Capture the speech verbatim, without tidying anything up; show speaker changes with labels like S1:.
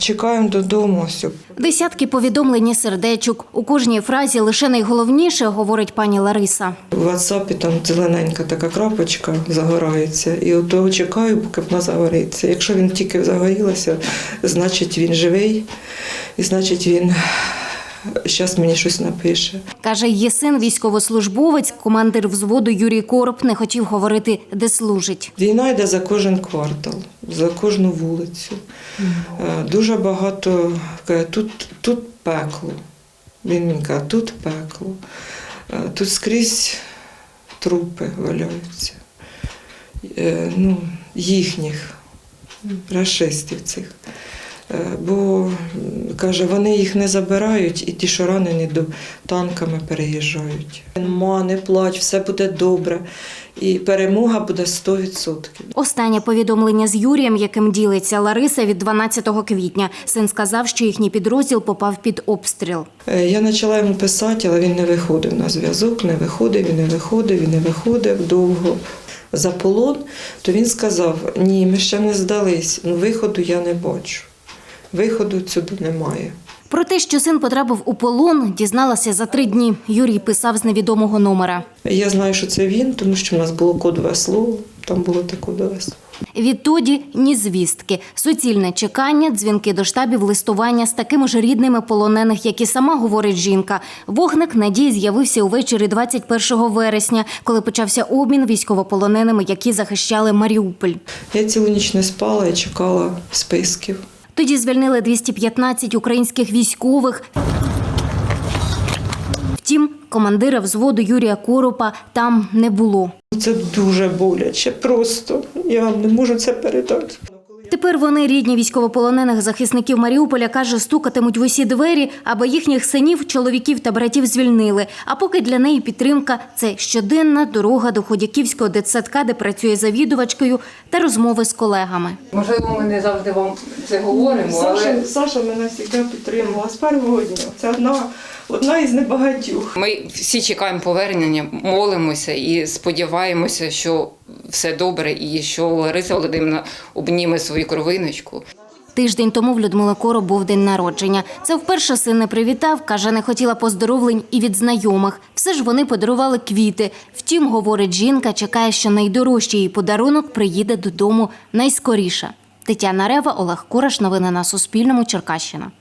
S1: Чекаємо додому. Все.
S2: Десятки повідомлень і сердечок. У кожній фразі лише найголовніше, говорить пані Лариса.
S1: У WhatsApp там зелененька така крапочка загорається. І от того чекаю, поки вона загориться. Якщо він тільки загорілася, значить він живий. І значить він зараз мені щось напише.
S2: Каже, її син військовослужбовець, командир взводу Юрій Короб, не хотів говорити, де служить.
S1: Війна йде за кожен квартал, за кожну вулицю. Mm. Дуже багато, каже, тут, тут пекло. Він мені каже, тут пекло. Тут скрізь трупи валяються. Ну, їхніх, рашистів цих. Бо, каже, вони їх не забирають і ті, що ранені, до танками переїжджають. Ма, не плач, все буде добре. І перемога буде сто відсотків.
S2: Останнє повідомлення з Юрієм, яким ділиться Лариса, від дванадцятого квітня. Син сказав, що їхній підрозділ попав під обстріл.
S1: Я почала йому писати, але він не виходив на зв'язок, не виходив, він не виходив, він не виходив довго. За полон, то він сказав, ні, ми ще не здались, ну виходу я не бачу. Виходу сюди немає.
S2: Про те, що син потрапив у полон, дізналася за три дні. Юрій писав з невідомого номера.
S1: Я знаю, що це він, тому що в нас було кодове слово, там було те кодове слово.
S2: Відтоді ні звістки. Суцільне чекання, дзвінки до штабів, листування з такими ж рідними полонених, як і сама говорить жінка. Вогник надії з'явився увечері двадцять першого вересня, коли почався обмін військовополоненими, які захищали Маріуполь.
S1: Я цілу ніч не спала і чекала списків.
S2: Тоді звільнили двісті п'ятнадцять українських військових. Втім, командира взводу Юрія Коропа там не було.
S1: Це дуже боляче, просто я вам не можу це передати.
S2: Тепер вони, рідні військовополонених захисників Маріуполя, каже, стукатимуть в усі двері, аби їхніх синів, чоловіків та братів звільнили. А поки для неї підтримка – це щоденна дорога до Ходяківського дитсадка, де працює завідувачкою, та розмови з колегами.
S3: Можливо, ми не завжди вам це говоримо, але…
S1: Саша, Саша мене завжди підтримувала з першого дня. Це одна, одна із небагатьох.
S3: Ми всі чекаємо повернення, молимося і сподіваємося, що все добре і що Лариса Володимирівна обніме свою кровиночку.
S2: Тиждень тому в Людмили Короб був день народження. Це вперше син не привітав, каже, не хотіла поздоровлень і від знайомих. Все ж вони подарували квіти. Втім, говорить жінка, чекає, що найдорожчий її подарунок приїде додому найскоріше. Тетяна Рева, Олег Кураш. Новини на Суспільному. Черкащина.